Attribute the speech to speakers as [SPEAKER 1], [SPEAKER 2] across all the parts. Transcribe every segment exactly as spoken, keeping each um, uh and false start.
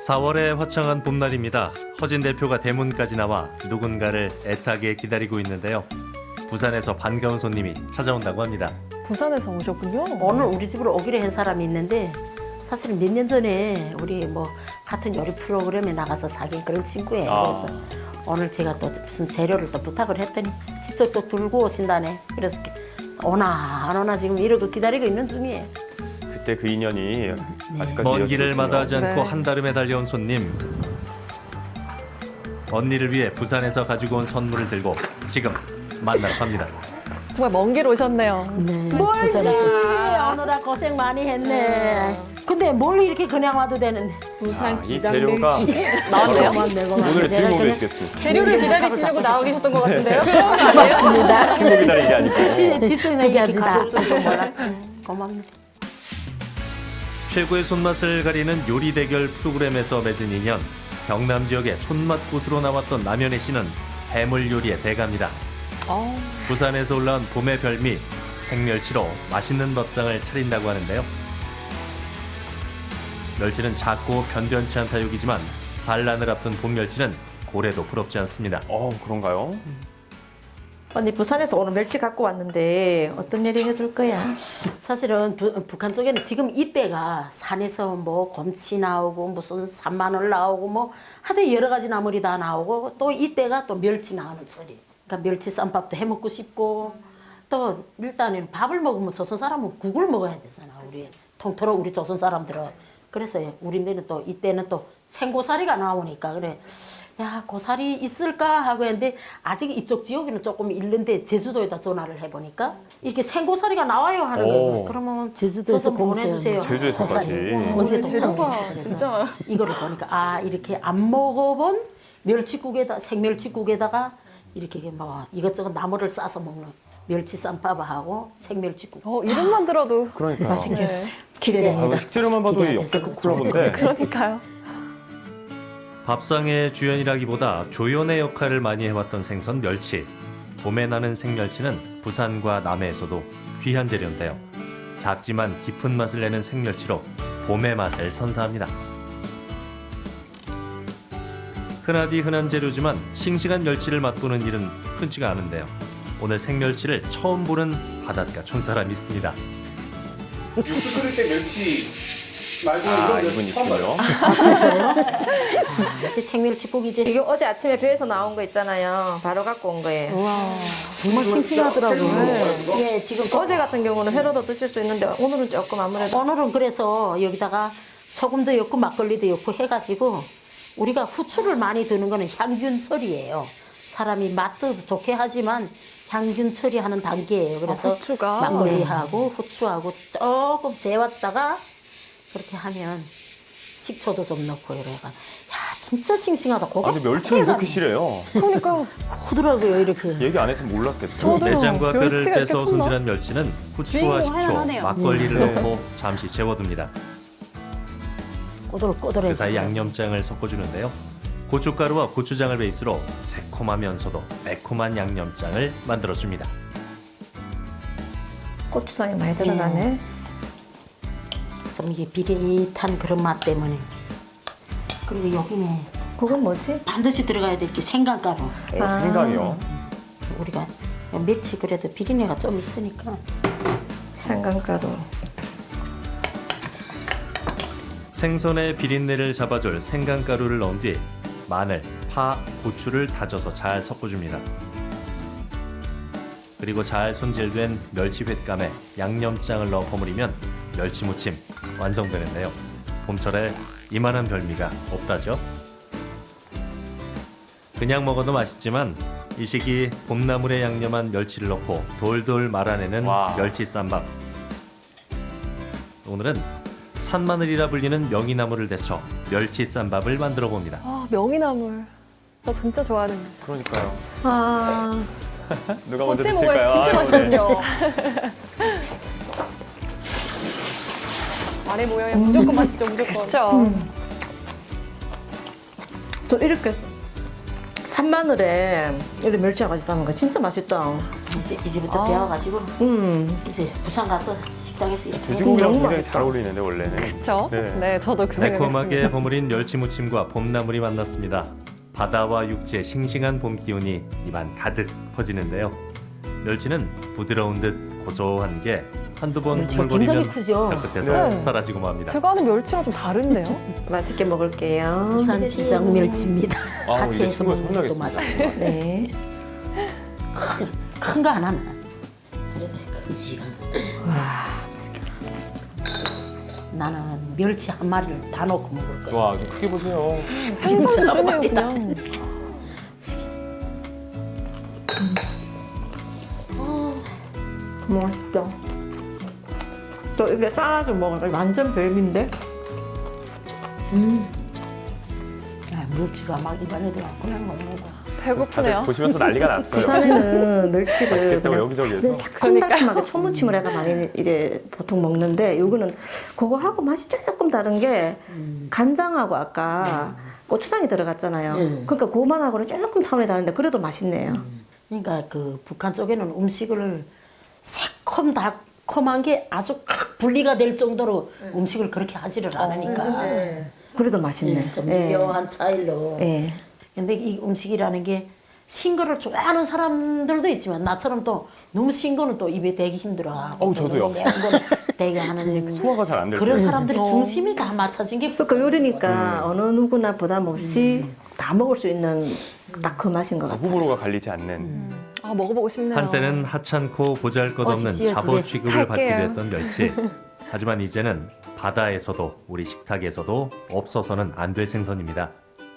[SPEAKER 1] 사월의 화창한 봄날입니다. 허진 대표가 대문까지 나와 누군가를 애타게 기다리고 있는데요. 부산에서 반가운 손님이 찾아온다고 합니다.
[SPEAKER 2] 부산에서 오셨군요.
[SPEAKER 3] 오늘 우리 집으로 오기로 한 사람이 있는데 사실은 몇 년 전에 우리 뭐 같은 요리 프로그램에 나가서 사귄 그런 친구예요.
[SPEAKER 4] 아.
[SPEAKER 3] 그래서 오늘 제가 또 무슨 재료를 또 부탁을 했더니 직접 또 들고 오신다네. 그래서 오나 안 오나 지금 이러고 기다리고 있는 중이에요.
[SPEAKER 4] 그때 그 인연이 아직까지
[SPEAKER 1] 먼 길을
[SPEAKER 4] 이어지고
[SPEAKER 1] 마다하지
[SPEAKER 4] 있군요.
[SPEAKER 1] 않고
[SPEAKER 2] 네.
[SPEAKER 1] 한달음에 달려온 손님. 언니를 위해 부산에서 가지고 온 선물을 들고 지금 만나러 갑니다.
[SPEAKER 2] 정말 먼 길 오셨네요.
[SPEAKER 3] 네. 멀지. 오늘아 고생 많이 했네. 근데 뭘 이렇게 그냥 와도 되는데.
[SPEAKER 4] 아, 이 재료가
[SPEAKER 2] 나왔네요?
[SPEAKER 3] 고맙네, 고맙네.
[SPEAKER 4] 오늘의
[SPEAKER 3] 내가
[SPEAKER 4] 주인공이
[SPEAKER 3] 그냥
[SPEAKER 4] 되시겠습니다.
[SPEAKER 2] 재료를 기다리시려고 나와 계셨던 것 같은데요?
[SPEAKER 3] 고맙습니다.
[SPEAKER 4] 친구 기다리는 게 아니고.
[SPEAKER 3] 집- 집주인 얘기하지 가볼 줄도 몰랐지. 고맙네.
[SPEAKER 1] 최고의 손맛을 가리는 요리 대결 프로그램에서 맺은 인연. 경남 지역의 손맛 곳으로 나왔던 남현애 씨는 해물 요리의 대가입니다.
[SPEAKER 2] 어,
[SPEAKER 1] 부산에서 올라온 봄의 별미 생멸치로 맛있는 밥상을 차린다고 하는데요. 멸치는 작고 변변치 않다 욕이지만 산란을 앞둔 봄멸치는 고래도 부럽지 않습니다.
[SPEAKER 4] 어, 그런가요?
[SPEAKER 5] 언니 부산에서 오늘 멸치 갖고 왔는데 어떤 요리 해줄 거야?
[SPEAKER 3] 사실은 부, 북한 쪽에는 지금 이때가 산에서 뭐 곰치 나오고 무슨 산마늘 나오고 뭐 하여튼 여러 가지 나물이 다 나오고 또 이때가 또 멸치 나오는 철이. 그러니까 멸치 쌈밥도 해 먹고 싶고 또 일단은 밥을 먹으면 조선 사람은 국을 먹어야 되잖아. 우리 통틀어 우리 조선 사람들은. 그래서 우리네는 또 이때는 또 생고사리가 나오니까 그래. 야, 고사리 있을까 하고 했는데 아직 이쪽 지역에는 조금 있는데 제주도에다 전화를 해보니까 이렇게 생고사리가 나와요 하는
[SPEAKER 4] 오.
[SPEAKER 3] 거예요. 그러면
[SPEAKER 6] 제주도에서
[SPEAKER 3] 좀 보내주세요.
[SPEAKER 4] 제주에서까지.
[SPEAKER 3] 고사리. 언제
[SPEAKER 2] 재료가
[SPEAKER 3] 도착해요?
[SPEAKER 2] 진짜
[SPEAKER 3] 이거를 보니까 아 이렇게 안 먹어본 멸치국에다 생멸치국에다가 이렇게 뭐 이것저것 나물을 싸서 먹는 멸치 쌈밥하고 생멸치국.
[SPEAKER 2] 어, 이름만 들어도
[SPEAKER 4] 그러니까요.
[SPEAKER 5] 맛있게
[SPEAKER 2] 네.
[SPEAKER 5] 해주세요.
[SPEAKER 4] 아,
[SPEAKER 5] 기대됩니다.
[SPEAKER 4] 이거 식재료만 봐도
[SPEAKER 3] 기대가
[SPEAKER 4] 역대급
[SPEAKER 3] 돼서
[SPEAKER 4] 콜라보인데.
[SPEAKER 2] 그러니까요.
[SPEAKER 1] 밥상의 주연이라기보다 조연의 역할을 많이 해왔던 생선 멸치. 봄에 나는 생멸치는 부산과 남해에서도 귀한 재료인데요. 작지만 깊은 맛을 내는 생멸치로 봄의 맛을 선사합니다. 흔하디 흔한 재료지만 싱싱한 멸치를 맛보는 일은 흔치가 않은데요. 오늘 생멸치를 처음 보는 바닷가 촌사람이 있습니다.
[SPEAKER 7] 육수 끓일 때 멸치 말고
[SPEAKER 4] 아,
[SPEAKER 7] 이런 멸치 처음 봐요.
[SPEAKER 4] 이분이시군요.
[SPEAKER 3] 역시 생멸치국이지.
[SPEAKER 5] 이게 어제 아침에 배에서 나온 거 있잖아요. 바로 갖고 온 거예요.
[SPEAKER 3] 와
[SPEAKER 6] 정말 싱싱하더라고요.
[SPEAKER 3] 예 지금 또
[SPEAKER 5] 어제 같은 경우는 회로도 드실 수 있는데 오늘은 조금 아무래도
[SPEAKER 3] 오늘은 그래서 여기다가 소금도 넣고 막걸리도 넣고 해가지고 우리가 후추를 많이 드는 거는 향균 처리예요. 사람이 맛도 좋게 하지만 향균 처리하는 단계예요. 그래서
[SPEAKER 2] 아, 후추가?
[SPEAKER 3] 막걸리하고 후추하고 조금 재웠다가 그렇게 하면 식초도 좀 넣고 이래가 야 진짜 싱싱하다. 고가
[SPEAKER 4] 아니, 멸치가 이렇게 실해요.
[SPEAKER 2] 그러니까
[SPEAKER 3] 크더라고요 이렇게.
[SPEAKER 4] 얘기 안 했으면 몰랐겠죠.
[SPEAKER 2] 저도요.
[SPEAKER 1] 내장과 뼈를
[SPEAKER 2] 멸치가 이렇게
[SPEAKER 1] 빼서
[SPEAKER 2] 컸나?
[SPEAKER 1] 손질한 멸치는 후추와
[SPEAKER 6] 주인공
[SPEAKER 1] 식초,
[SPEAKER 6] 할만하네요.
[SPEAKER 1] 막걸리를
[SPEAKER 4] 네.
[SPEAKER 1] 넣고 잠시 재워둡니다.
[SPEAKER 3] 꼬들꼬들해서.
[SPEAKER 1] 그 사이 양념장을 섞어주는데요. 고춧가루와 고추장을 베이스로 새콤하면서도 매콤한 양념장을 만들어줍니다.
[SPEAKER 5] 고추장이 많이 들어가네.
[SPEAKER 3] 좀 이게 비릿한 그런 맛 때문에. 그리고 여기는
[SPEAKER 5] 그건 뭐지?
[SPEAKER 3] 반드시 들어가야 될 게 생강가루.
[SPEAKER 4] 어, 생강이요.
[SPEAKER 3] 우리가 멸치 그래도 비린내가 좀 있으니까.
[SPEAKER 5] 생강가루.
[SPEAKER 1] 생선의 비린내를 잡아줄 생강가루를 넣은 뒤 마늘, 파, 고추를 다져서 잘 섞어줍니다. 그리고 잘 손질된 멸치 횟감에 양념장을 넣어 버무리면 멸치무침 완성되는데요. 봄철에 이만한 별미가 없다죠? 그냥 먹어도 맛있지만 이 시기 봄나물에 양념한 멸치를 넣고 돌돌 말아내는
[SPEAKER 4] 와.
[SPEAKER 1] 멸치 쌈밥. 오늘은 산마늘이라 불리는 명이나물을 데쳐 멸치 쌈밥을 만들어 봅니다.
[SPEAKER 2] 아, 명이나물. 저 진짜 좋아하는.
[SPEAKER 4] 그러니까요.
[SPEAKER 5] 아,
[SPEAKER 4] 누가 먼저
[SPEAKER 2] 그때
[SPEAKER 4] 드실까요?
[SPEAKER 2] 먹어야 진짜
[SPEAKER 4] 아유, 네.
[SPEAKER 2] 맛있거든요. 아래 모양이 무조건 맛있죠, 무조건. 그렇죠.
[SPEAKER 5] 또 이렇게 산마늘에 이렇게 멸치하고 같이 담은 거 진짜 맛있다.
[SPEAKER 3] 이제 이제부터 배워가지고
[SPEAKER 5] 음.
[SPEAKER 3] 이제 부산 가서 식당에서 이렇게
[SPEAKER 4] 돼지고기랑
[SPEAKER 5] 너무
[SPEAKER 4] 굉장히
[SPEAKER 5] 맛있다.
[SPEAKER 4] 잘 어울리는데 원래는.
[SPEAKER 2] 그렇죠?
[SPEAKER 4] 네.
[SPEAKER 2] 네. 저도 그 생각했습니다.
[SPEAKER 1] 매콤하게 버무린 멸치 무침과 봄나물이 만났습니다. 바다와 육지의 싱싱한 봄 기운이 입안 가득 퍼지는데요. 멸치는 부드러운 듯 고소한 게 한두 번
[SPEAKER 3] 멸치가
[SPEAKER 1] 흐물거리면
[SPEAKER 3] 굉장히 크죠.
[SPEAKER 1] 혀끝에서
[SPEAKER 2] 네.
[SPEAKER 1] 사라지고 맙니다.
[SPEAKER 2] 제가 아는 멸치랑 좀 다른데요?
[SPEAKER 5] 맛있게 먹을게요.
[SPEAKER 3] 부산 지상 멸치입니다.
[SPEAKER 4] 아,
[SPEAKER 3] 같이
[SPEAKER 4] 이제
[SPEAKER 3] 해서
[SPEAKER 4] 친구가
[SPEAKER 3] 먹는 것도
[SPEAKER 4] 혼나겠습니다.
[SPEAKER 3] 맛있고
[SPEAKER 5] 네.
[SPEAKER 3] 큰 거 하나는 그래도 큰 시간. 나는 멸치 한 마리를 다 넣고 먹을 거야.
[SPEAKER 4] 와, 좀 크게 보세요.
[SPEAKER 2] 생선
[SPEAKER 3] 진짜
[SPEAKER 2] 수준이에요,
[SPEAKER 3] 맛있다.
[SPEAKER 2] 그냥.
[SPEAKER 5] 맛있다. 저 이게 싸가지고 먹으니까 완전 별미인데?
[SPEAKER 3] 아, 멸치가 막 입안에 들어가 그냥 먹는 거야.
[SPEAKER 4] 다들
[SPEAKER 2] 배고프네요.
[SPEAKER 4] 보시면서 난리가 났어요.
[SPEAKER 5] 부산에는 멸치를
[SPEAKER 4] 맛있겠다고
[SPEAKER 5] 그냥
[SPEAKER 4] 여기저기에서.
[SPEAKER 5] 완전 새콤달콤하게 초무침을 해가 많이 이래 보통 먹는데 요거는 그거하고 맛이 조금 다른 게 간장하고 아까 고추장이 들어갔잖아요.
[SPEAKER 3] 음.
[SPEAKER 5] 그러니까 그만하고는 조금 차원이 다른데 그래도 맛있네요.
[SPEAKER 3] 그러니까 그 북한 쪽에는 음식을 새콤 달콤한 게 아주 확 분리가 될 정도로 음식을 그렇게 하지를 않으니까
[SPEAKER 5] 그래도 맛있네.
[SPEAKER 3] 예, 좀
[SPEAKER 5] 예.
[SPEAKER 3] 묘한 차이로.
[SPEAKER 5] 예.
[SPEAKER 3] 근데 이 음식이라는 게 신 거를 좋아하는 사람들도 있지만 나처럼 또 너무 신 거는 또 입에 대기 힘들어하고
[SPEAKER 4] 어우, 저도요.
[SPEAKER 3] 너무 매운 거는 되게 하는
[SPEAKER 4] 소화가 잘 안 될
[SPEAKER 3] 그런
[SPEAKER 4] 때.
[SPEAKER 3] 사람들이 중심이 다 맞춰진 게
[SPEAKER 5] 그러니까 요리니까 어느 누구나 부담 없이 다 먹을 수 있는 딱 그 맛인 것 같아요.
[SPEAKER 4] 호불호가 갈리지 않는.
[SPEAKER 2] 아, 먹어보고 싶네요.
[SPEAKER 1] 한때는 하찮고 보잘것없는
[SPEAKER 3] 오십시오,
[SPEAKER 1] 잡어
[SPEAKER 3] 집에.
[SPEAKER 1] 취급을 받기도
[SPEAKER 2] 갈게요.
[SPEAKER 1] 했던 멸치. 하지만 이제는 바다에서도 우리 식탁에서도 없어서는 안 될 생선입니다.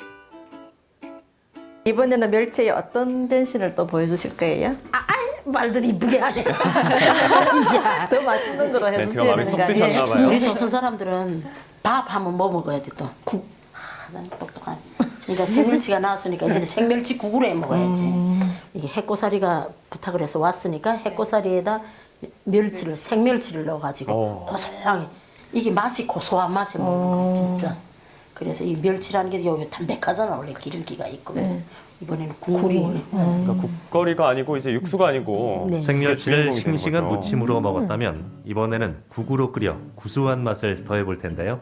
[SPEAKER 5] 이번에는 멸치의 어떤 변신을 또 보여주실 거예요?
[SPEAKER 3] 아, 아이, 말들 이쁘게 하네. 야,
[SPEAKER 5] 더 맛있는 거로
[SPEAKER 4] 네,
[SPEAKER 5] 해서
[SPEAKER 4] 제가 마음에 쏙 드셨나
[SPEAKER 3] 우리
[SPEAKER 4] 봐요.
[SPEAKER 3] 조선 사람들은 밥 하면 뭐 먹어야 돼 또? 국. 아, 난 똑똑한. 그러니까 생멸치가 나왔으니까 이제는 생멸치 국으로 해 먹어야지. 이게 해꼬사리가 부탁을 해서 왔으니까 해꼬사리에다 멸치를 생멸치를 넣어가지고
[SPEAKER 4] 어.
[SPEAKER 3] 고소하게 이게 맛이 고소한 맛에 먹는 거야 진짜. 그래서 이 멸치라는 게 여기 담백하잖아 원래 기름기가 있고 그래서 이번에는 국물이
[SPEAKER 4] 그러니까 국거리가 아니고 이제 육수가 아니고
[SPEAKER 3] 네.
[SPEAKER 1] 생멸치를
[SPEAKER 4] 주인공이 되는
[SPEAKER 1] 싱싱한
[SPEAKER 4] 거죠.
[SPEAKER 1] 무침으로 먹었다면 이번에는 국으로 끓여 구수한 맛을 더해볼 텐데요.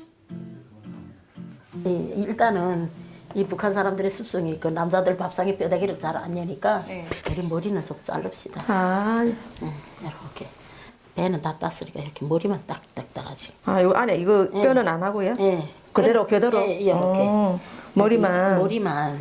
[SPEAKER 3] 이- 일단은 이 북한 사람들의 습성이 그 남자들 밥상에 뼈다귀를 잘 안 여니까 우리 머리는 좀 자릅시다.
[SPEAKER 5] 아,
[SPEAKER 3] 응, 이렇게 배는 다 땄으니까 이렇게 머리만 딱딱 따가지고.
[SPEAKER 5] 아, 요 안에 이거
[SPEAKER 3] 예.
[SPEAKER 5] 뼈는 안 하고요?
[SPEAKER 3] 예.
[SPEAKER 5] 그대로 그대로.
[SPEAKER 3] 예, 예, 이렇게.
[SPEAKER 5] 어, 머리만.
[SPEAKER 3] 머리만.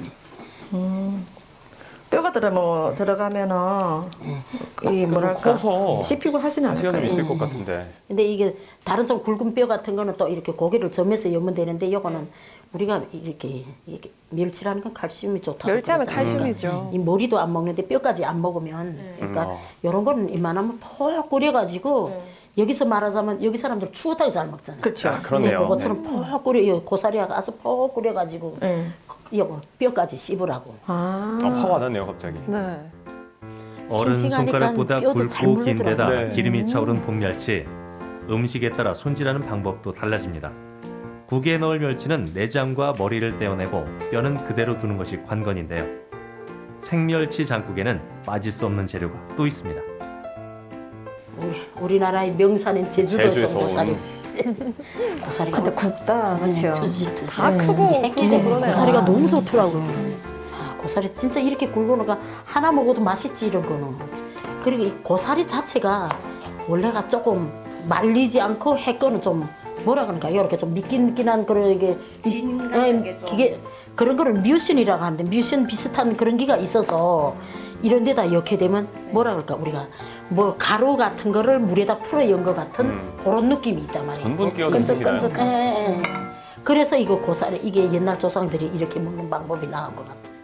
[SPEAKER 5] 뼈가 들어 뭐 들어가면은 이 뭐랄까
[SPEAKER 4] 커서
[SPEAKER 5] 씹히고 하지는 않을
[SPEAKER 4] 시간이
[SPEAKER 5] 거예요.
[SPEAKER 4] 있을 것 같은데.
[SPEAKER 3] 근데 이게 다른 좀 굵은 뼈 같은 거는 또 이렇게 고기를 점해서 여면 되는데 이거는 우리가 이렇게, 이렇게 멸치라는 건 칼슘이 좋다고
[SPEAKER 2] 멸치하면
[SPEAKER 3] 그러잖아요.
[SPEAKER 2] 칼슘이죠.
[SPEAKER 3] 이 머리도 안 먹는데 뼈까지 안 먹으면 그러니까
[SPEAKER 4] 음, 어.
[SPEAKER 3] 이런 거는 이만하면 퍽 끓여가지고 여기서 말하자면 여기 사람들 추어탕 잘 먹잖아요.
[SPEAKER 5] 그렇죠.
[SPEAKER 4] 아, 그렇네요.
[SPEAKER 3] 근데 그것처럼 퍽 끓여 이 고사리가 아주 퍽 끓여가지고
[SPEAKER 5] 네.
[SPEAKER 3] 이거 뼈까지 씹으라고.
[SPEAKER 5] 아,
[SPEAKER 4] 아, 화가 나네요 갑자기.
[SPEAKER 2] 네.
[SPEAKER 1] 어른
[SPEAKER 3] 싱싱하니까
[SPEAKER 1] 손가락보다
[SPEAKER 3] 뼈도 잘
[SPEAKER 1] 굵고 긴 데다
[SPEAKER 4] 물러들어요. 네.
[SPEAKER 1] 기름이 차오른 봄멸치. 음식에 따라 손질하는 방법도 달라집니다. 국에 넣을 멸치는 내장과 머리를 떼어내고 뼈는 그대로 두는 것이 관건인데요. 생멸치 장국에는 빠질 수 없는 재료가 또 있습니다.
[SPEAKER 3] 우리, 우리나라의 명산인 제주도에서
[SPEAKER 4] 제주에서
[SPEAKER 3] 온 고사리.
[SPEAKER 4] 온.
[SPEAKER 3] 고사리가
[SPEAKER 5] 근데 굽다 그렇죠.
[SPEAKER 3] 드시 드시.
[SPEAKER 2] 다 크고
[SPEAKER 3] 했기
[SPEAKER 2] 굵고
[SPEAKER 3] 때문에
[SPEAKER 2] 그러네요.
[SPEAKER 3] 고사리가 너무 좋더라고요. 아, 고사리 진짜 이렇게 굵으니까 하나 먹어도 맛있지 이런 거는. 그리고 이 고사리 자체가 원래가 조금 말리지 않고 해 거는 좀 뭐라 그러니까 이렇게 좀 미끈미끈한 그런 게 진 같은 게 좀. 그게 그런 거를 뮤신이라고 하는데 뮤신 비슷한 그런 게가 있어서 이런 데다 이렇게 되면 뭐라 그럴까 우리가 뭐 가루 같은 거를 물에다 풀어 연 것 같은
[SPEAKER 4] 음.
[SPEAKER 3] 그런 느낌이 있단 말이에요.
[SPEAKER 4] 전분 끼워서
[SPEAKER 3] 끈적끈적.
[SPEAKER 4] 생기나요?
[SPEAKER 3] 예, 예, 예. 그래서 이거 고사리 이게 옛날 조상들이 이렇게 먹는 방법이 나온 것 같아.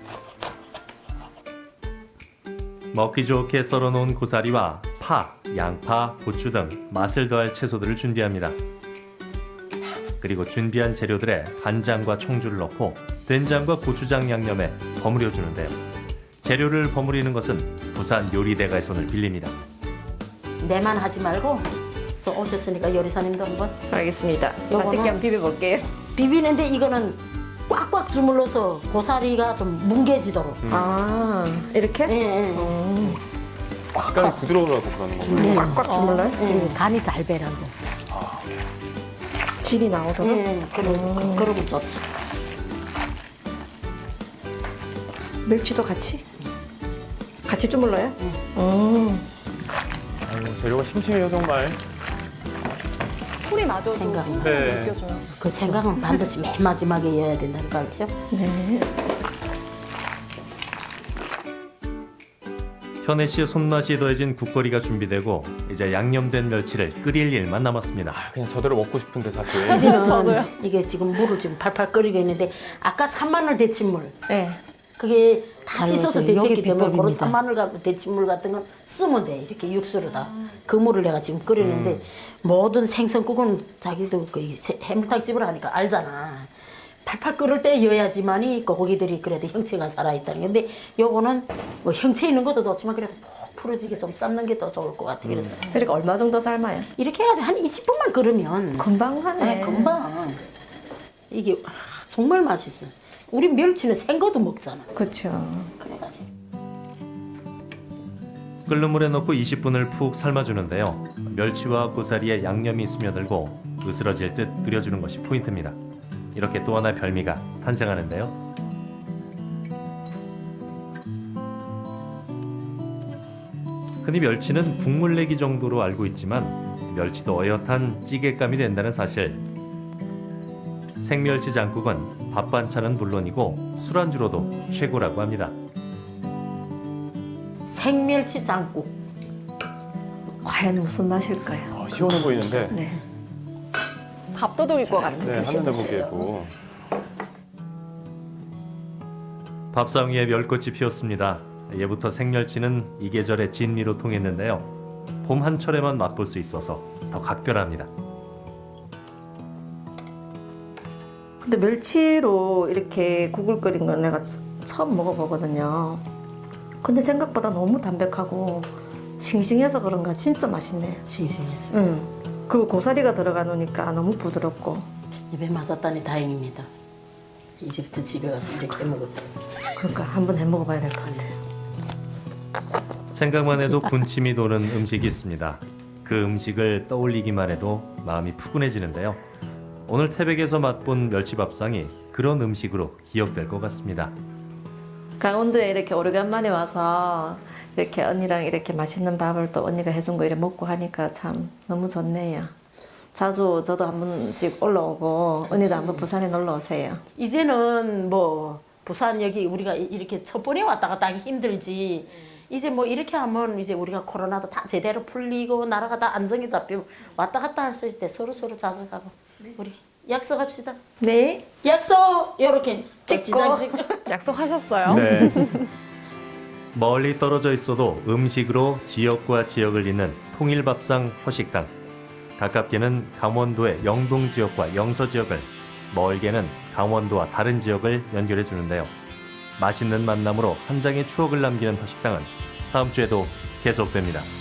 [SPEAKER 1] 먹기 좋게 썰어놓은 고사리와 파, 양파, 고추 등 맛을 더할 채소들을 준비합니다. 그리고 준비한 재료들에 간장과 청주를 넣고 된장과 고추장 양념에 버무려 주는데요. 재료를 버무리는 것은 부산 요리대가의 손을 빌립니다.
[SPEAKER 3] 내만 하지 말고 저 오셨으니까 요리사님도 한번
[SPEAKER 5] 알겠습니다.
[SPEAKER 3] 요거는-
[SPEAKER 5] 맛있게 한번 비벼볼게요.
[SPEAKER 3] 비비는데 이거는 꽉꽉 주물러서 고사리가 좀 뭉개지도록.
[SPEAKER 5] 아 이렇게?
[SPEAKER 3] 예, 예.
[SPEAKER 5] 음,
[SPEAKER 4] 식감이 부드러우라고 그러는 거예요.
[SPEAKER 3] 네.
[SPEAKER 5] 꽉꽉 주물러요?
[SPEAKER 3] 예, 간이 잘 배라고.
[SPEAKER 5] 질이 나오도록?
[SPEAKER 3] 예, 그러, 그, 그러면 좋지.
[SPEAKER 5] 멸치도 같이? 같이 주물러요? 음.
[SPEAKER 4] 아유, 재료가 싱싱해요 정말.
[SPEAKER 2] 소리마저도
[SPEAKER 3] 생각.
[SPEAKER 2] 싱싱히
[SPEAKER 4] 네.
[SPEAKER 2] 느껴져요.
[SPEAKER 3] 그 생강은 반드시 맨 마지막에 넣어야 된다는 거 알죠?
[SPEAKER 5] 네.
[SPEAKER 1] 현애 씨의 손맛이 더해진 국거리가 준비되고 이제 양념된 멸치를 끓일 일만 남았습니다.
[SPEAKER 4] 아, 그냥 저대로 먹고 싶은데 사실.
[SPEAKER 3] 이제는 이게 지금 물을 지금 팔팔 끓이고 있는데 아까 산마늘 데친물
[SPEAKER 5] 네.
[SPEAKER 3] 그게 다
[SPEAKER 6] 잘
[SPEAKER 3] 씻어서
[SPEAKER 6] 넣으세요.
[SPEAKER 3] 데쳤기
[SPEAKER 6] 요게
[SPEAKER 3] 때문에 그런
[SPEAKER 6] 비법입니다.
[SPEAKER 3] 산마늘 같은 데친물 같은 건 쓰면 돼. 이렇게 육수로다. 그 물을 내가 지금 끓이는데 모든 생선국은 자기도 그 해물탕집을 하니까 알잖아. 팔팔 끓을 때 여야지만이 고기들이 그래도 형체가 살아있다는 건데 요거는 뭐 형체 있는 것도 좋지만 그래도 푹 풀어지게 좀 삶는 게 더 좋을 것 같아. 그래서
[SPEAKER 5] 그러니까 얼마 정도 삶아요?
[SPEAKER 3] 이렇게 해가지고 한 이십 분만 끓으면
[SPEAKER 5] 금방 하네.
[SPEAKER 3] 네, 금방. 이게 아, 정말 맛있어. 우리 멸치는 생거도 먹잖아.
[SPEAKER 5] 그렇죠.
[SPEAKER 3] 그래가지고.
[SPEAKER 1] 끓는 물에 넣고 이십 분을 푹 삶아주는데요. 멸치와 고사리에 양념이 스며들고 으스러질 듯 끓여주는 것이 포인트입니다. 이렇게 또 하나의 별미가 탄생하는데요. 흔히 멸치는 국물 내기 정도로 알고 있지만 멸치도 어엿한 찌개감이 된다는 사실. 생멸치 장국은 밥 반찬은 물론이고 술안주로도 최고라고 합니다.
[SPEAKER 3] 생멸치 장국.
[SPEAKER 5] 과연 무슨 맛일까요?
[SPEAKER 4] 아, 시원해 보이는데.
[SPEAKER 5] 네.
[SPEAKER 2] 밥도둑일 것 같아요.
[SPEAKER 4] 네, 한눈에 보기에도.
[SPEAKER 1] 밥상 위에 멸꽃이 피었습니다. 예부터 생멸치는 이 계절의 진미로 통했는데요. 봄 한철에만 맛볼 수 있어서 더 각별합니다.
[SPEAKER 5] 근데 멸치로 이렇게 국을 끓인 건 내가 처음 먹어보거든요. 근데 생각보다 너무 담백하고 싱싱해서 그런가 진짜 맛있네요.
[SPEAKER 3] 싱싱해서.
[SPEAKER 5] 응. 그리고 고사리가 들어가 놓으니까 너무 부드럽고.
[SPEAKER 3] 입에 맞았다니 다행입니다. 이제부터 집에 가서 이렇게 먹었다.
[SPEAKER 5] 그러니까 한번 해 먹어봐야 될 것 같아요.
[SPEAKER 1] 생각만 해도 군침이 도는 음식이 있습니다. 그 음식을 떠올리기만 해도 마음이 푸근해지는데요. 오늘 태백에서 맛본 멸치밥상이 그런 음식으로 기억될 것 같습니다.
[SPEAKER 5] 강원도에 이렇게 오래간만에 와서 이렇게 언니랑 이렇게 맛있는 밥을 또 언니가 해준 거 이렇게 먹고 하니까 참 너무 좋네요. 자주 저도 한 번씩 올라오고 언니도 한번 부산에 놀러 오세요.
[SPEAKER 3] 이제는 뭐 부산 여기 우리가 이렇게 첫 번에 왔다 갔다 하기 힘들지. 이제 뭐 이렇게 하면 이제 우리가 코로나도 다 제대로 풀리고 나라가 다 안정이 잡히고 왔다 갔다 할 수 있을 때 서로 서로 자주 가고 우리 약속합시다.
[SPEAKER 5] 네.
[SPEAKER 3] 약속 이렇게
[SPEAKER 5] 찍고.
[SPEAKER 2] 약속하셨어요?
[SPEAKER 4] 네.
[SPEAKER 1] 멀리 떨어져 있어도 음식으로 지역과 지역을 잇는 통일밥상 허식당. 가깝게는 강원도의 영동 지역과 영서 지역을, 멀게는 강원도와 다른 지역을 연결해 주는데요. 맛있는 만남으로 한 장의 추억을 남기는 허식당은 다음 주에도 계속됩니다.